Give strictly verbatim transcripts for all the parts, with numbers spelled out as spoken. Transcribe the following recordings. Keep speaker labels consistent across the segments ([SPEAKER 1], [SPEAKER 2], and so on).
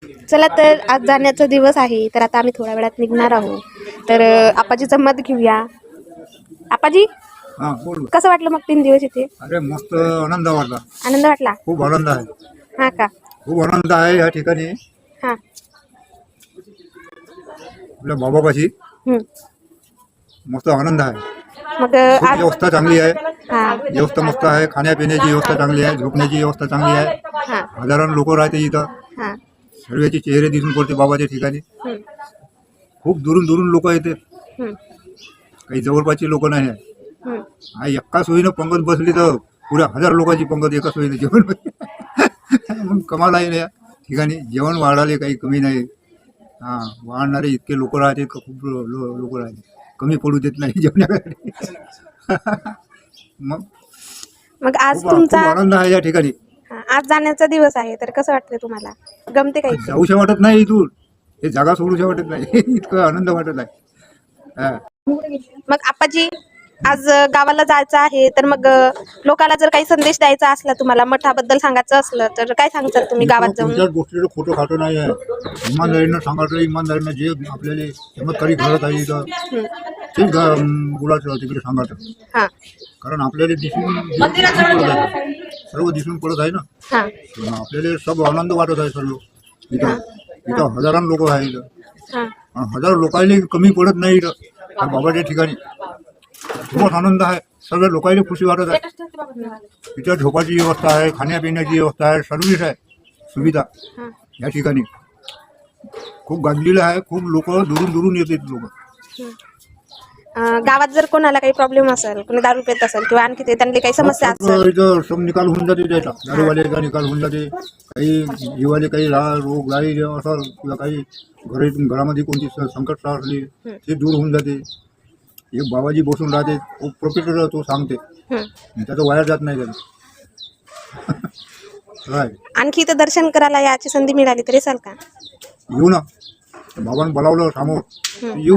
[SPEAKER 1] चला तर आज जाण्याचा दिवस आहे, तर आता आम्ही थोड्या वेळात निघणार आहोत. तर आपाजीचं मत घेऊया. आपाजी,
[SPEAKER 2] हा बोल.
[SPEAKER 1] कसं वाटलं मग तीन दिवस इथे?
[SPEAKER 2] अरे मस्त आनंद वाटला.
[SPEAKER 1] आनंद वाटला?
[SPEAKER 2] खूप आनंद आहे.
[SPEAKER 1] हा का?
[SPEAKER 2] खूप आनंद आहे या ठिकाणी.
[SPEAKER 1] हा.
[SPEAKER 2] आपल्या बाबापाशी
[SPEAKER 1] हम्म.
[SPEAKER 2] मस्त आनंद आहे.
[SPEAKER 1] मग
[SPEAKER 2] खूप
[SPEAKER 1] आज
[SPEAKER 2] व्यवस्था चांगली आहे.
[SPEAKER 1] हा
[SPEAKER 2] व्यवस्था मस्त आहे. खाण्यापिण्याची व्यवस्था चांगली आहे. झोपण्याची व्यवस्था चांगली आहे.
[SPEAKER 1] हा
[SPEAKER 2] हजारांनी लोक राहते इथं.
[SPEAKER 1] हा
[SPEAKER 2] सर्वांचे चेहरे दिसून पडते बाबाच्या ठिकाणी.
[SPEAKER 1] हम्म.
[SPEAKER 2] खूप दुरून दुरून लोक येतात.
[SPEAKER 1] हम्म.
[SPEAKER 2] काही जवळपासची लोक नाही आहे.
[SPEAKER 1] हम्म.
[SPEAKER 2] हा एका सोयीनं पंगत बसली तर पुऱ्या हजार लोकांची पंगत एका सोयीनं जेवण मग कमाल आहे ना या ठिकाणी. जेवण वाढाले काही कमी नाही. हां, वाढणारे इतके लोक राहतात का खूप लोक राहतात. कमी पडू देत नाही जेवणाकडे. मग
[SPEAKER 1] मग आज
[SPEAKER 2] खूप खूप
[SPEAKER 1] तुमचा
[SPEAKER 2] आनंद आहे या ठिकाणी.
[SPEAKER 1] हा, आज जाण्याचा दिवस आहे, तर कसं वाटतंय तुम्हाला? गमते काही?
[SPEAKER 2] जाऊशा वाटत नाही इथून. हे जागा सोडूशा वाटत नाही. इतकं आनंद वाटत आहे. हां.
[SPEAKER 1] मग आपाजी, आज गावाला जायचं आहे, तर मग लोकांना जर काही संदेश द्यायचा असला, तुम्हाला मठाबद्दल सांगायचं असलं, तर काय सांगतात तुम्ही गावात जाऊन?
[SPEAKER 2] कोणत्याच गोष्टीचं खोटं खाटं नाही आहे. इमानदारीनं सांगायचं. इमानदारीनं जे आपल्याला चमत्कारी घडत आहे इथं
[SPEAKER 1] हम्म.
[SPEAKER 2] ते बोलायचं तिकडे सांगायचं.
[SPEAKER 1] हा
[SPEAKER 2] कारण आपल्याला दिसून दिसून पडत आहे. सर्व दिसून पडत आहे ना.
[SPEAKER 1] हा
[SPEAKER 2] आपल्याला सब आनंद वाटत आहे सर्व इथं. इथं हजारां लोक आहे इथं.
[SPEAKER 1] हा
[SPEAKER 2] आणि हजार लोकांना कमी पडत नाही इथं त्या बाबाच्या ठिकाणी. खूपच आनंद आहे. सर्व लोकांना खुशी वाटत आहे. इथं झोपाची व्यवस्था आहे, खाण्यापिण्याची व्यवस्था आहे, सर्व्हिस आहे, सुविधा
[SPEAKER 1] हा.
[SPEAKER 2] या ठिकाणी खूप गाजलेलं आहे. खूप लोक दुरून दुरून येतात लोक.
[SPEAKER 1] अं, गावात जर कोणाला काही प्रॉब्लेम असेल, कोणी दारू पित असेल किंवा आणखी ते त्यांनी काही समस्या असेल,
[SPEAKER 2] इथं सब निकाल होऊन जाते त्याचा. दारूवाल्याचा निकाल होऊन जाते. काही जीवाले काही रा- रोग राही असं किंवा काही घरी घरामध्ये कोणती स- संकट असली ते दूर होऊन जाते. एक बाबाजी बसून राहते. खूप प्रोफेसर तो सांगते.
[SPEAKER 1] हम्म.
[SPEAKER 2] त्याचं वाया जात नाही त्याला. काय
[SPEAKER 1] आणखी इथं दर्शन करायला याची संधी मिळाली तर येसाल का?
[SPEAKER 2] येऊ ना. बाबांनी बोलावलं समोर
[SPEAKER 1] हम्म.
[SPEAKER 2] येऊ.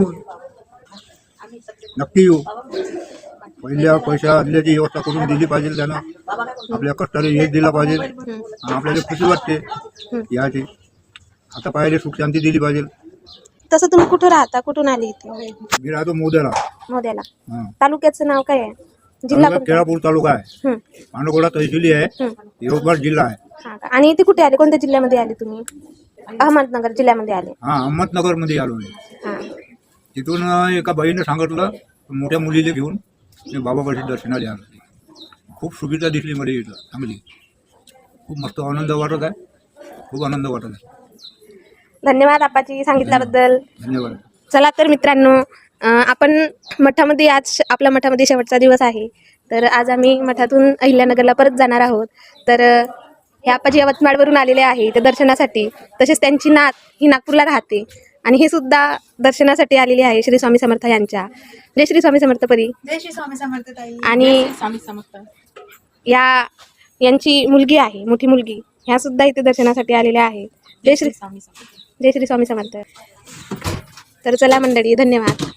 [SPEAKER 2] नक्की येऊ. पहिल्या पैशा दिल्याची व्यवस्था करून दिली पाहिजे त्यानं. आपल्या कष्टाला यश दिला पाहिजे.
[SPEAKER 1] हम्म.
[SPEAKER 2] आणि आपल्याला खुशी वाटते याची. आता पाहिजे सुख शांती दिली पाहिजे.
[SPEAKER 1] तसं तुम्ही कुठं राहता? कुठून आली इथे?
[SPEAKER 2] मी राहतो मोद्याला.
[SPEAKER 1] मोद्याला.
[SPEAKER 2] हां.
[SPEAKER 1] तालुक्याचं नाव काय आहे? जिल्हा
[SPEAKER 2] तालुका
[SPEAKER 1] कोणता?
[SPEAKER 2] केळापूर तालुका आहे.
[SPEAKER 1] हम्म.
[SPEAKER 2] पांडुगोडा तहसीली आहे.
[SPEAKER 1] हम्म.
[SPEAKER 2] यवतमाळ जिल्हा आहे.
[SPEAKER 1] हा का? आणि इथे कुठे आले? कोणत्या जिल्ह्यामध्ये आले तुम्ही? अहमदनगर जिल्ह्यामध्ये आले.
[SPEAKER 2] हां, अहमदनगरमध्ये आलो मी.
[SPEAKER 1] हा
[SPEAKER 2] तिथून एका बाईनं सांगितलं मोठ्या मुलीला घेऊन मी बाबापाशी दर्शनाला आलो. खूप सुविधा दिसली मला इथं चांगली. खूप मस्त आनंद वाटत आहे. खूप आनंद वाटत आहे.
[SPEAKER 1] धन्यवाद आपाजी सांगितल्याबद्दल.
[SPEAKER 2] धन्यवाद.
[SPEAKER 1] चला तर मित्रांनो, अं, आपण मठामध्ये आज आपल्या मठामध्ये शेवटचा दिवस आहे, तर आज आम्ही मठातून अहिल्यानगरला परत जाणार आहोत. तर अं, हे आपाजी यवतमाळवरून आलेले आहे ते दर्शनासाठी. तसेच त्यांची नात ही नागपूरला राहते आणि हे सुद्धा दर्शनासाठी आलेली आहे श्री स्वामी समर्थ यांच्या. जय श्री स्वामी समर्थ परी.
[SPEAKER 3] जय श्री स्वामी समर्थ ताई.
[SPEAKER 1] आणि
[SPEAKER 3] जय श्री स्वामी समर्थ.
[SPEAKER 1] या यांची मुलगी आहे, मोठी मुलगी, ह्या सुद्धा इथे दर्शनासाठी आलेल्या आहेत. जय श्री
[SPEAKER 3] स्वामी समर्थ.
[SPEAKER 1] जय श्री स्वामी समर्थ. तर चला मंडळी, धन्यवाद.